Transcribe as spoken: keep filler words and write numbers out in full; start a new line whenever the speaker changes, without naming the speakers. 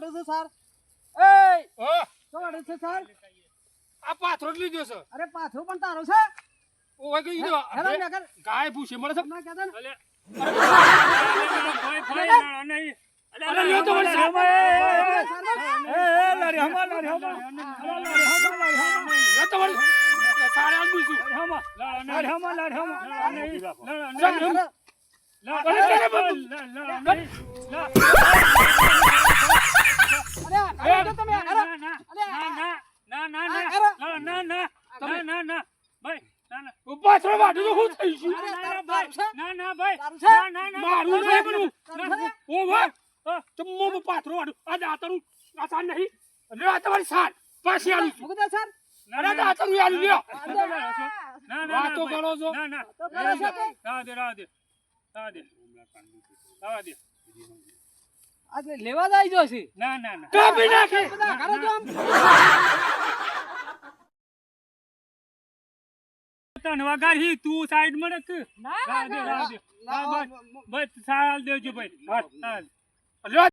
વાળો છે સર એ
ઓ
તો વાળો છે સર
આ પાથરો જ લીધો છે
અરે પાછો પણ તારો છે
ઓય કઈ દીધો
હેલો નગર
ગાય ભૂસી મળે છે
ના કહેતા ને
અલે ભાઈ ભાઈ ના નહીં
અરે લ્યો તો વળી સાહેબ
એ એ લારી હમા લારી હમા
લ્યો તો વળી સાડે આઠ ભૂસું
હમા લારી હમા લારી હમા નહીં
અરે અરે તમે અરે
ના ના ના ના ના ના ના ભાઈ ના ના
પાથરો વાઢું તો હું થઈ છું
ના ભાઈ ના ના ભાઈ
તારું છે
ના ના
મારું નહીં બનવું
તારું છે
ઓ વાહ તો મો પાથરો વાઢું આ દાતરું આસાન નહીં લ્યો આ તમારી સાત પાછી આલું છું
મુકદા સર
અરે દાતરું આલું લ્યો
ના ના
વાતો કરો છો
ના ના
તો કરો છો કે
રાહ દે રાહ દે રાહ દે રાહ દે
આ લેવા જાય જો છે
ના ના ના
કાપી નાખે
બધા કરો જો આમ
તન વગાડી તું સાઈડ માં રખ
ના
રાહ દે રાહ દે બસ બસ સાલ દેજો ભાઈ હા
લ્યો